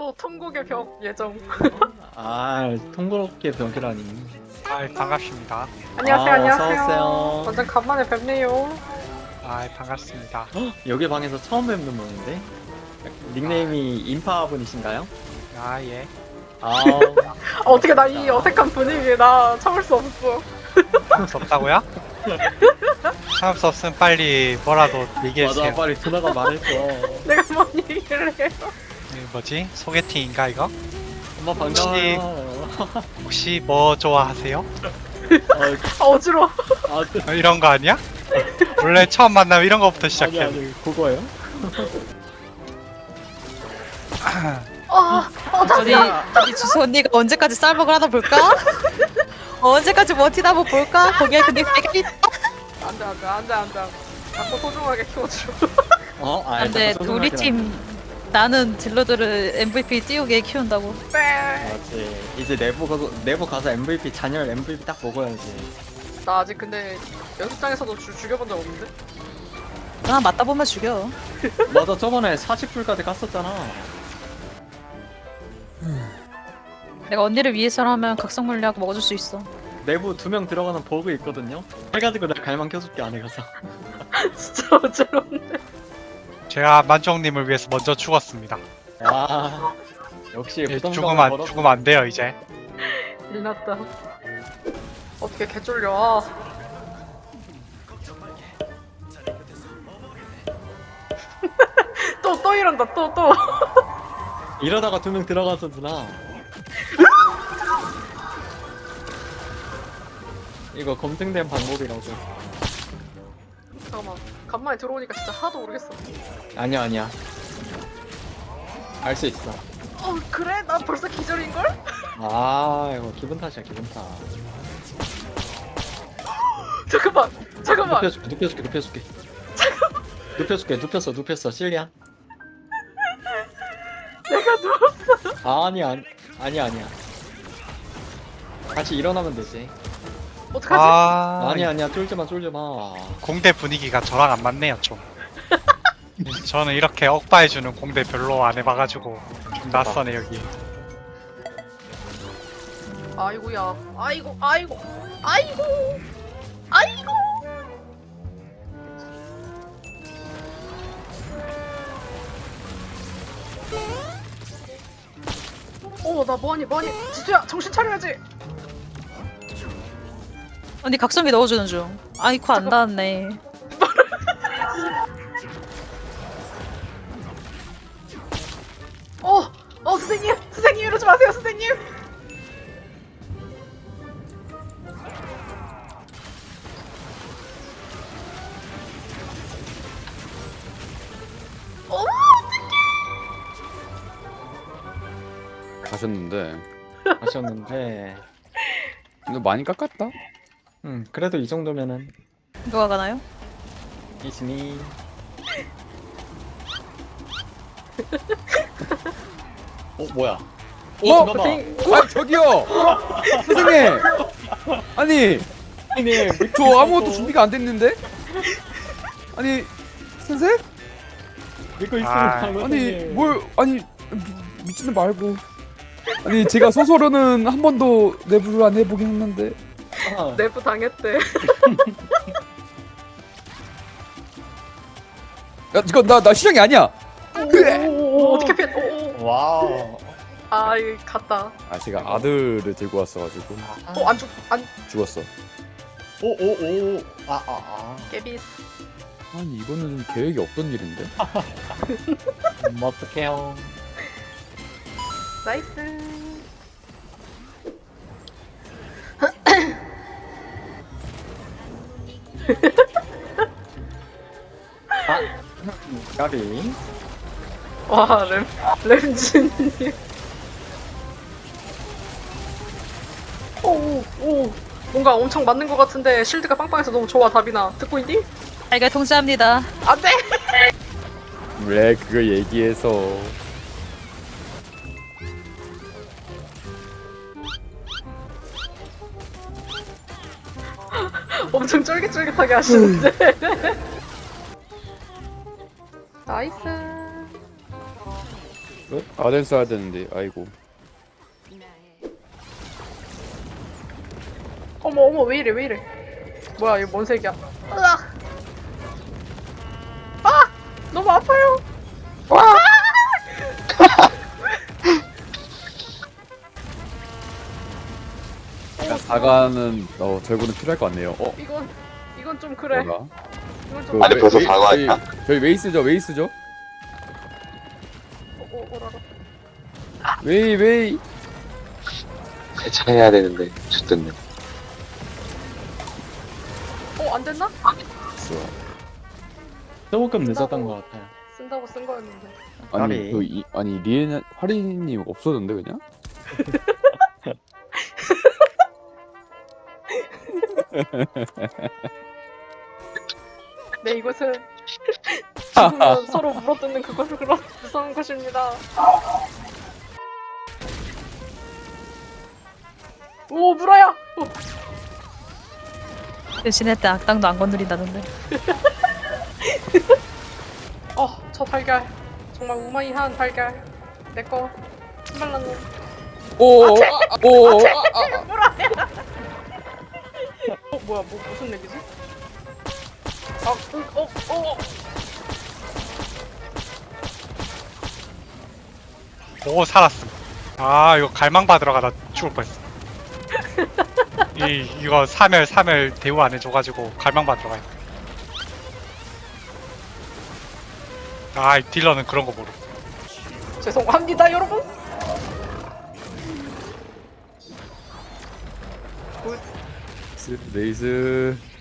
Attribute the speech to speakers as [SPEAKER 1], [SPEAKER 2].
[SPEAKER 1] 또 통곡의 벽 예정.
[SPEAKER 2] 아, 통그럽게 병기라니.
[SPEAKER 3] 아, 반갑습니다.
[SPEAKER 1] 안녕하세요, 안녕하세요.
[SPEAKER 2] 어서오세요.
[SPEAKER 1] 완전 간만에 뵙네요.
[SPEAKER 3] 아, 반갑습니다.
[SPEAKER 2] 여기 방에서 처음 뵙는 분인데? 닉네임이 인파분이신가요?
[SPEAKER 3] 아, 예.
[SPEAKER 2] 아,
[SPEAKER 1] 어떻게 나 이 어색한 분위기에 나 참을 수 없어.
[SPEAKER 3] 참을 수 없다고요? 참을 수 없으면 빨리 뭐라도 얘기해주세요.
[SPEAKER 2] 맞아, 빨리 누나가 말했어.
[SPEAKER 1] 내가 뭔 얘기를 해요?
[SPEAKER 3] 뭐지? 소개팅인가 이거?
[SPEAKER 2] 엄마 반가워요.
[SPEAKER 3] 혹시 뭐 좋아하세요?
[SPEAKER 1] 아, 어지러워.
[SPEAKER 3] 이런 거 아니야? 원래 처음 만나면 이런 거부터
[SPEAKER 2] 아니,
[SPEAKER 3] 시작해.
[SPEAKER 2] 아니, 그거예요?
[SPEAKER 4] 우리 주소 언니가 언제까지 쌀먹을 하다 볼까? 언제까지 버티다 한번 볼까? 거기에 근데 세계 있다.
[SPEAKER 1] 앉아. 자꾸 소중하게 키워줘.
[SPEAKER 4] 근데 우리 팀 나는 딜러들을 MVP 띄우게 키운다고.
[SPEAKER 1] 네.
[SPEAKER 2] 맞지. 이제 내부 가서 MVP, 잔열 MVP 딱 먹어야지.
[SPEAKER 1] 나 아직 근데 연습장에서도 죽여본 적 없는데?
[SPEAKER 4] 아 맞다 보면 죽여.
[SPEAKER 2] 맞아, 저번에 40불까지 갔었잖아.
[SPEAKER 4] 내가 언니를 위해서라면 각성 물약 먹어줄 수 있어.
[SPEAKER 2] 내부 2명 들어가는 버그 있거든요? 해가지고 내가 갈망 켜줄게, 안에 가서.
[SPEAKER 1] 진짜 어지러운데.
[SPEAKER 3] 제가 만종님을 위해서 먼저 죽었습니다.
[SPEAKER 2] 아, 역시
[SPEAKER 3] 예,
[SPEAKER 2] 부담감을
[SPEAKER 3] 죽으면 안 돼요 이제.
[SPEAKER 1] 일났다. 어떻게 개쫄려. 또 이런다, 또.
[SPEAKER 2] 이러다가 2명 들어가서 누나. 이거 검증된 방법이라고.
[SPEAKER 1] 잠깐만. 간만에 들어오니까 진짜 하나도 모르겠어.
[SPEAKER 2] 아니야. 알 수 있어.
[SPEAKER 1] 그래? 난 벌써 기절인걸?
[SPEAKER 2] 아, 이거 기분 탓이야, 기분 탓.
[SPEAKER 1] 잠깐만.
[SPEAKER 2] 눕혀줄게. 눕혔어, 실리안.
[SPEAKER 1] 내가 누웠어.
[SPEAKER 2] 아니야. 다시 일어나면 되지.
[SPEAKER 1] 어떡하지?
[SPEAKER 2] 아니야, 쫄지 마.
[SPEAKER 3] 공대 분위기가 저랑 안 맞네요 좀. 저는 이렇게 억바해주는 공대 별로 안 해봐가지고 좀 낯서네 여기.
[SPEAKER 1] 아이고야. 아이고. 나 뭐하니? 지수야, 정신 차려야지.
[SPEAKER 4] 언니 각성기 넣어주는 중. 아이코 안 닿았네.
[SPEAKER 1] 선생님 이러지 마세요, 선생님.
[SPEAKER 5] 가셨는데
[SPEAKER 2] 아쉬웠는데.
[SPEAKER 5] 근데 많이 깎았다.
[SPEAKER 2] 그래도 이 정도면은
[SPEAKER 4] 누가 가나요?
[SPEAKER 2] 이즈니. 뭐야? 잠깐만.
[SPEAKER 5] 아 저기요 선생님. 아니 저 아무것도 준비가 안 됐는데. 아니 선생?
[SPEAKER 2] 믿고 있으면
[SPEAKER 3] 아,
[SPEAKER 5] 아니 뭘 아니 믿지는 말고. 아니 제가 소설로는 한 번도 내부를 안 해보긴 했는데.
[SPEAKER 1] 내부 당했대.
[SPEAKER 5] 야 이거 나 시장이 아니야.
[SPEAKER 1] 어떻게 피해?
[SPEAKER 2] 와우.
[SPEAKER 1] 이거 갔다.
[SPEAKER 5] 아 제가 아들을 들고 왔어가지고
[SPEAKER 1] 안
[SPEAKER 5] 죽었어.
[SPEAKER 1] 깨비스.
[SPEAKER 5] 아니 이거는 좀 계획이 없던 일인데.
[SPEAKER 2] 어떡해요.
[SPEAKER 1] 나이스.
[SPEAKER 2] 까비.
[SPEAKER 1] 와, 램진님. 오. 뭔가 엄청 맞는 것 같은데 실드가 빵빵해서 너무 좋아, 다비나. 듣고 있니?
[SPEAKER 4] 알갈 통제합니다.
[SPEAKER 1] 안 돼!
[SPEAKER 5] 왜 그걸 얘기해서.
[SPEAKER 1] 엄청 쫄깃쫄깃하게 하시는데. 나이스.
[SPEAKER 5] 아덴 써야 되는데 아이고.
[SPEAKER 1] 어머 어머 왜 이래 왜 이래. 뭐야 이거 뭔 색이야. 으악. 아 너무 아파요.
[SPEAKER 5] 사과는 절구는 필요할 것 같네요.
[SPEAKER 1] 이건 좀 그래.
[SPEAKER 5] 뭐가?
[SPEAKER 1] 이건 좀
[SPEAKER 6] 아니, 벌써 사과했다.
[SPEAKER 5] 저희 웨이스죠 웨이스죠?
[SPEAKER 1] 오라라.
[SPEAKER 5] 웨이.
[SPEAKER 6] 세차해야 되는데 죽겠네.
[SPEAKER 1] 안 됐나?
[SPEAKER 2] 조금 늦었던 것 같아요.
[SPEAKER 1] 쓴다고 쓴 거였는데.
[SPEAKER 5] 아니 아니 리엔 화리님 없어졌는데 그냥?
[SPEAKER 1] 네 이것은 지금은 서로 물어뜯는 그것을 그런 무서운 것입니다. 오 물어야.
[SPEAKER 4] 대신에 때 악당도 안 건드린다던데.
[SPEAKER 1] 저 달걀 정말 우마이한 달걀 내꺼 신발랐네.
[SPEAKER 5] 오.
[SPEAKER 1] 뭐야 무슨 얘기지?
[SPEAKER 3] 오 살았음. 아 이거 갈망 받으러 가다 죽을 뻔했어. 이거 3열 대우 안 해줘가지고 갈망 받으러 가야 돼. 이 딜러는 그런 거 모르.
[SPEAKER 1] 죄송합니다 여러분.
[SPEAKER 5] 레이스.